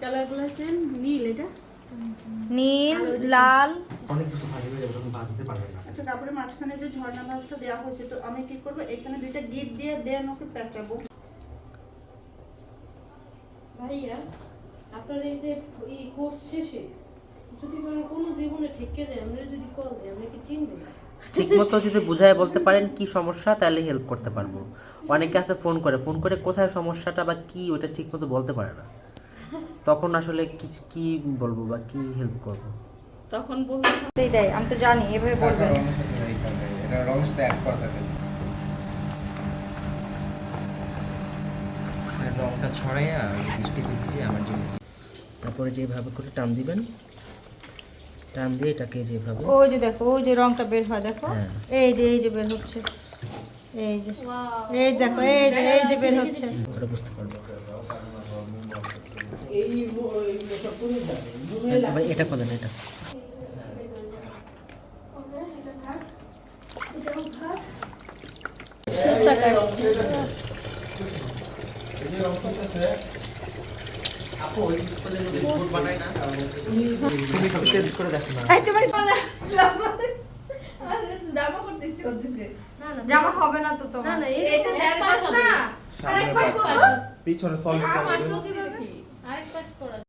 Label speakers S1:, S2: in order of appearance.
S1: কালারগুলো আছে নীল, এটা
S2: নীল, লাল,
S3: অনেক কিছু ভাজি হয়ে যাবে, তখন ভাজ দিতে পারবেন না।
S4: আচ্ছা, কাপড়ের মাঝখানে যে ঝর্ণা ভাঁজটা দেওয়া হয়েছে, তো আমি কি করবো, এখানে দুইটা গিট দিয়ে দেন ওকে পেঁচাবো।
S1: ভাইয়া আপনার এই যে এই কোর্স শেষে যদি কোনো জীবনে ঠেকে যায়, আমরা যদি কল দেয়, আমরা কি চিনবো?
S3: ঠিকমতো যদি বুঝায় বলতে পারেন কি সমস্যা, তাহলে হেল্প করতে পারবো। অনেকে আছে ফোন করে কোথায় সমস্যাটা বা কি ওটা ঠিকমতো বলতে পারে না, তখন আসলে কি বলবো বা কি হেল্প করবো।
S1: তখন বলবো
S2: এই দেয়, আমি তো জানি এভাবে বলবেন।
S5: এটা রঙের সাথে অ্যাড করা থাকে।
S3: রংটা ছড়াইয়া বৃষ্টিতে ভিজে আমার জন্য। তারপরে যেভাবে করে টান দিবেন, টান দিয়ে এটাকে যেভাবে,
S2: ওই যে দেখো, ওই যে রংটা বের হয়, দেখো
S3: হ্যাঁ।
S2: এই যে বের হচ্ছে, এই যে দেখো, এই যে বের হচ্ছে।
S3: ওটা বুঝতে পারবো। এবার এটা খোলেন, এটা
S1: সুতা কাটছি।
S3: আপু ওই স্কুলে বিস্কুট বানায় না, তুমি একটু টেস্ট করে দেখো না।
S2: এই তোমার জামা করতে ইচ্ছে করতেছে,
S1: না না
S2: জামা হবে না তো তোমার,
S1: না,
S2: এটা দেড় গজ না, আরেকবার করবো।
S5: পিছনে সলিড
S1: আরেক পাশ করা